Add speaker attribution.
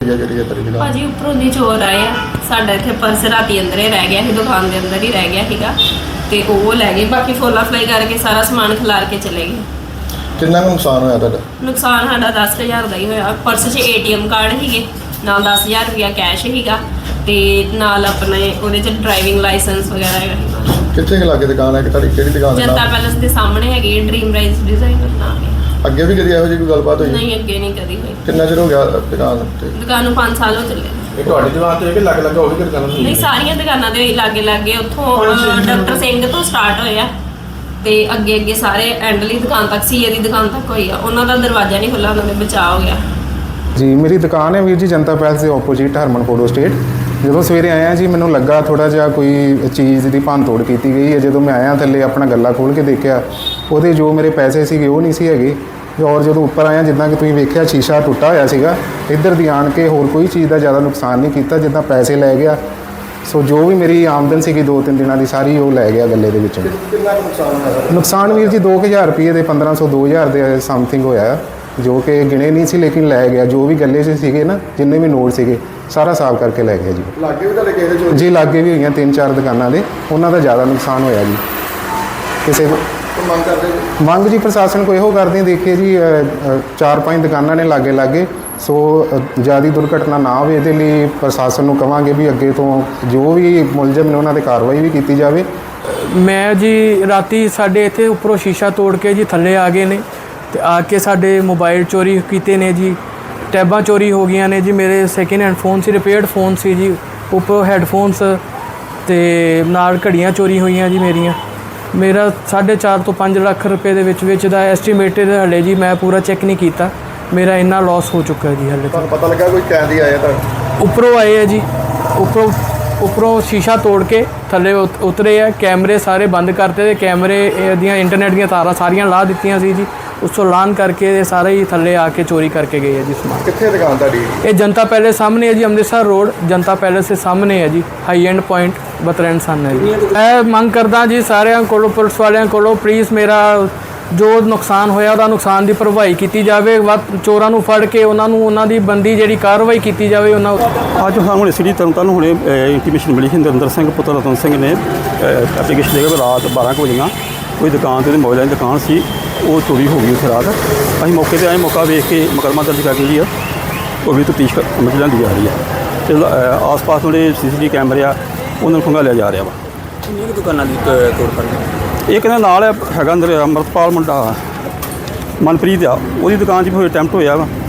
Speaker 1: है जी तेरी दुकान?
Speaker 2: भाजी उपरों दी चोर आए आ साडा इत्थे पर्स राती अंदर ही रह गया ही, दुकान के अंदर ही रह गया सीगा ते वो लै गए। बाकी फोला फलाई करके सारा समान खिलार के चले गए।
Speaker 1: कितना नुकसान होया तुहाडा?
Speaker 2: नुकसान साडा 10,000 का ही होया। पर्स 'च ATM कार्ड हीगे, नाल 10,000 रुपया कैश हीगा ते नाल अपने ओहदे 'च ड्राइविंग लाइसेंस वगैरह हैगा।
Speaker 1: कित्थे के लागे दुकान है? तुहाडी किहड़ी दुकान है?
Speaker 2: जनता पैलेस के सामने हैगी ड्रीम राइज डिजाइनर नाम है।
Speaker 1: ਅੱਗੇ ਵੀ ਕਦੀ ਇਹੋ ਜਿਹੀ ਕੋਈ ਗੱਲਬਾਤ ਹੋਈ?
Speaker 2: नहीं अगे नहीं कदी हुई।
Speaker 1: ਕਿੰਨਾ ਚਿਰ ਹੋ ਗਿਆ ਦੁਕਾਨ ਤੇ?
Speaker 2: दुकान नूं 5 साल हो चले।
Speaker 3: ਇਹ ਤੁਹਾਡੀ ਦੁਕਾਨ ਤੇ ਕਿ ਲੱਗ ਉਹ ਵੀ ਦੁਕਾਨਾਂ
Speaker 2: नहीं सारिया दुकानां दे लागे लागे उत्थों डॉक्टर सिंह तो स्टार्ट होया ते अगे अगे सारे एंडली दुकान तक सीए दी दुकान तक होई आ। उन्हां दा दरवाजा नहीं खुला, उन्होंने बचाव हो गया।
Speaker 4: जी मेरी दुकान है वीर जी जनता पैलेस के ओपोजिट हरमन फोटो स्टेट। ਜਦੋਂ ਸਵੇਰੇ ਆਇਆ ਜੀ ਮੈਨੂੰ ਲੱਗਾ ਥੋੜ੍ਹਾ ਜਿਹਾ ਕੋਈ ਚੀਜ਼ ਦੀ ਭੰਨ ਤੋੜ ਕੀਤੀ ਗਈ ਹੈ। ਜਦੋਂ ਮੈਂ ਆਇਆ ਥੱਲੇ ਆਪਣਾ ਗੱਲਾ ਖੋਲ੍ਹ ਕੇ ਦੇਖਿਆ ਉਹਦੇ ਜੋ ਮੇਰੇ ਪੈਸੇ ਸੀਗੇ ਉਹ ਨਹੀਂ ਸੀ ਹੈਗੇ। ਔਰ ਜਦੋਂ ਉੱਪਰ ਆਇਆ ਜਿੱਦਾਂ ਕਿ ਤੁਸੀਂ ਵੇਖਿਆ ਸ਼ੀਸ਼ਾ ਟੁੱਟਾ ਹੋਇਆ ਸੀਗਾ। ਇੱਧਰ ਦੀ ਆਣ ਕੇ ਹੋਰ ਕੋਈ ਚੀਜ਼ ਦਾ ਜ਼ਿਆਦਾ ਨੁਕਸਾਨ ਨਹੀਂ ਕੀਤਾ, ਜਿੱਦਾਂ ਪੈਸੇ ਲੈ ਗਿਆ। ਸੋ ਜੋ ਵੀ ਮੇਰੀ ਆਮਦਨ ਸੀਗੀ 2-3 ਦਿਨਾਂ ਦੀ ਸਾਰੀ ਉਹ ਲੈ ਗਿਆ ਗੱਲੇ ਦੇ ਵਿੱਚੋਂ।
Speaker 1: ਕਿੰਨਾ ਨੁਕਸਾਨ ਹੋਇਆ?
Speaker 4: ਨੁਕਸਾਨ ਵੀਰ ਜੀ 2,000 ਰੁਪਏ ਦੇ 1,500-2,000 ਦੇ ਸਮਥਿੰਗ ਹੋਇਆ, ਜੋ ਕਿ ਗਿਣੇ ਨਹੀਂ ਸੀ ਲੇਕਿਨ ਲੈ ਗਿਆ। ਜੋ ਵੀ ਗੱਲੇ 'ਚ ਸੀਗੇ ਨਾ ਜਿੰਨੇ ਵੀ ਨੋਟ ਸੀਗੇ ਸਾਰਾ ਸਾਫ਼ ਕਰਕੇ ਲੈ ਗਿਆ ਜੀ।
Speaker 1: ਲਾਗੇ ਵੀ ਤੁਹਾਡੇ ਕਿਸੇ ਦੇ
Speaker 4: ਜੀ ਲਾਗੇ ਵੀ ਹੋਈਆਂ 3-4 ਦੁਕਾਨਾਂ ਦੇ, ਉਹਨਾਂ ਦਾ ਜ਼ਿਆਦਾ ਨੁਕਸਾਨ ਹੋਇਆ ਜੀ। ਕਿਸੇ
Speaker 1: ਮੰਗ ਕਰਦੇ ਜੀ?
Speaker 4: ਮੰਗ ਜੀ ਪ੍ਰਸ਼ਾਸਨ ਕੋ ਇਹੋ ਕਰਦੇ ਦੇਖੀਏ ਜੀ 4-5 ਦੁਕਾਨਾਂ ਨੇ ਲਾਗੇ ਸੋ ਜ਼ਿਆਦਾ ਦੁਰਘਟਨਾ ਨਾ ਹੋਵੇ ਇਹਦੇ ਲਈ ਪ੍ਰਸ਼ਾਸਨ ਨੂੰ ਕਵਾਂਗੇ ਵੀ ਅੱਗੇ ਤੋਂ ਜੋ ਵੀ ਮੁਲਜ਼ਮ ਨੇ ਉਹਨਾਂ 'ਤੇ ਕਾਰਵਾਈ ਵੀ ਕੀਤੀ ਜਾਵੇ।
Speaker 5: ਮੈਂ ਜੀ ਰਾਤੀ ਸਾਡੇ ਇੱਥੇ ਉੱਪਰੋਂ ਸ਼ੀਸ਼ਾ ਤੋੜ ਕੇ ਜੀ ਥੱਲੇ ਆ ਗਏ ਨੇ ਤੇ ਆ ਕੇ ਸਾਡੇ ਮੋਬਾਈਲ ਚੋਰੀ ਕੀਤੇ ਨੇ ਜੀ, ਟੈਬਾਂ ਚੋਰੀ ਹੋ ਗਈਆਂ ਨੇ ਜੀ। ਮੇਰੇ ਸੈਕਿੰਡ ਹੈਂਡ ਫੋਨ ਸੀ, ਰਿਪੇਅਰਡ ਫੋਨ ਸੀ ਜੀ, ਉੱਪਰੋਂ ਹੈੱਡਫੋਨਸ ਤੇ ਨਾਲ ਘੜੀਆਂ ਚੋਰੀ ਹੋਈਆਂ ਜੀ ਮੇਰੀਆਂ। ਮੇਰਾ 4.5 ਤੋਂ 5 ਲੱਖ ਰੁਪਏ ਦੇ ਵਿੱਚ ਦਾ ਐਸਟੀਮੇਟਡ ਹਲੇ ਜੀ ਮੈਂ ਪੂਰਾ ਚੈੱਕ ਨਹੀਂ ਕੀਤਾ, ਮੇਰਾ ਇੰਨਾ ਲਾਸ ਹੋ ਚੁੱਕਾ ਜੀ ਹਲੇ।
Speaker 1: ਤੁਹਾਨੂੰ ਪਤਾ ਲੱਗਾ ਕੋਈ ਕੈਦੀ ਆਇਆ ਤਾਂ?
Speaker 5: ਉੱਪਰੋਂ ਆਏ ਆ ਜੀ, ਉੱਪਰੋਂ ਸ਼ੀਸ਼ਾ ਤੋੜ ਕੇ ਥੱਲੇ ਉਤਰੇ ਆ। ਕੈਮਰੇ ਸਾਰੇ ਬੰਦ ਕਰਤੇ ਤੇ ਕੈਮਰੇ ਦੀਆਂ ਇੰਟਰਨੈਟ ਦੀਆਂ ਤਾਰਾਂ ਸਾਰੀਆਂ ਲਾ ਦਿੱਤੀਆਂ ਸੀ ਜੀ। ਉਸ ਤੋਂ ਲਾਨ ਕਰਕੇ ਸਾਰੇ ਹੀ ਥੱਲੇ ਆ ਕੇ ਚੋਰੀ ਕਰਕੇ ਗਏ ਆ ਜੀ ਸਮਾਨ।
Speaker 1: ਕਿੱਥੇ ਦੁਕਾਨ ਤੁਹਾਡੀ?
Speaker 5: ਇਹ ਜਨਤਾ ਪੈਲੇਸ ਸਾਹਮਣੇ ਹੈ ਜੀ, ਅੰਮ੍ਰਿਤਸਰ ਰੋਡ ਜਨਤਾ ਪੈਲੇਸ ਦੇ ਸਾਹਮਣੇ ਹੈ ਜੀ, ਹਾਈ ਐਂਡ ਪੁਆਇੰਟ ਬਤਰੈਣ ਸਨ ਹੈ ਜੀ। ਮੈਂ ਮੰਗ ਕਰਦਾ ਜੀ ਸਾਰਿਆਂ ਕੋਲੋਂ, ਪੁਲਿਸ ਵਾਲਿਆਂ ਕੋਲੋਂ, ਪਲੀਜ਼ ਮੇਰਾ ਜੋ ਨੁਕਸਾਨ ਹੋਇਆ ਉਹਦਾ ਨੁਕਸਾਨ ਦੀ ਭਰਪਾਈ ਕੀਤੀ ਜਾਵੇ। ਚੋਰਾਂ ਨੂੰ ਫੜ ਕੇ ਉਹਨਾਂ ਦੀ ਬੰਦੀ ਜਿਹੜੀ ਕਾਰਵਾਈ ਕੀਤੀ ਜਾਵੇ।
Speaker 6: ਅੱਜ ਸਾਨੂੰ ਸਿਟੀ ਤਰਨਤਾਰਨ ਹੁਣੇ ਇੰਟੀਮੇਸ਼ਨ ਮਿਲੀ ਸੀ, ਨਰਿੰਦਰ ਸਿੰਘ ਪੁੱਤਰ ਰਤਨ ਸਿੰਘ ਨੇ ਐਪਲੀਕੇਸ਼ਨ ਦੇ ਕੇ ਰਾਤ 12 ਕੁ ਵਜੇ ਕੋਈ ਦੁਕਾਨ 'ਤੇ ਮੋਬਾਈਲਾਂ ਦੀ ਦੁਕਾਨ ਸੀ, ਉਹ ਚੋਰੀ ਹੋ ਗਈ ਉੱਥੇ ਰਾਤ। ਅਸੀਂ ਮੌਕੇ 'ਤੇ ਆਏ, ਮੌਕਾ ਵੇਖ ਕੇ ਮੁਕੱਦਮਾ ਦਰਜ ਕਰਕੇ ਜੀ ਉਹ ਵੀ ਤਫਤੀਸ਼ ਸਮਝ ਲਿਆਂਦੀ ਜਾ ਰਹੀ ਹੈ ਅਤੇ ਆਸ-ਪਾਸ ਜਿਹੜੇ CCTV ਕੈਮਰੇ ਆ ਉਹਨਾਂ ਨੂੰ ਖੰਗਾਲਿਆ ਜਾ ਰਿਹਾ ਵਾ।
Speaker 7: ਕਿੰਨੀਆਂ ਦੁਕਾਨਾਂ ਦੀ ਤੋੜ ਫੜ?
Speaker 6: ਇਹ ਕਹਿੰਦਾ ਨਾਲ ਹੈਗਾ ਅੰਦਰ ਅੰਮ੍ਰਿਤਪਾਲ ਮੁੰਡਾ ਮਨਪ੍ਰੀਤ ਆ, ਉਹਦੀ ਦੁਕਾਨ 'ਚ ਵੀ ਅਟੈਂਪਟ ਹੋਇਆ ਵਾ।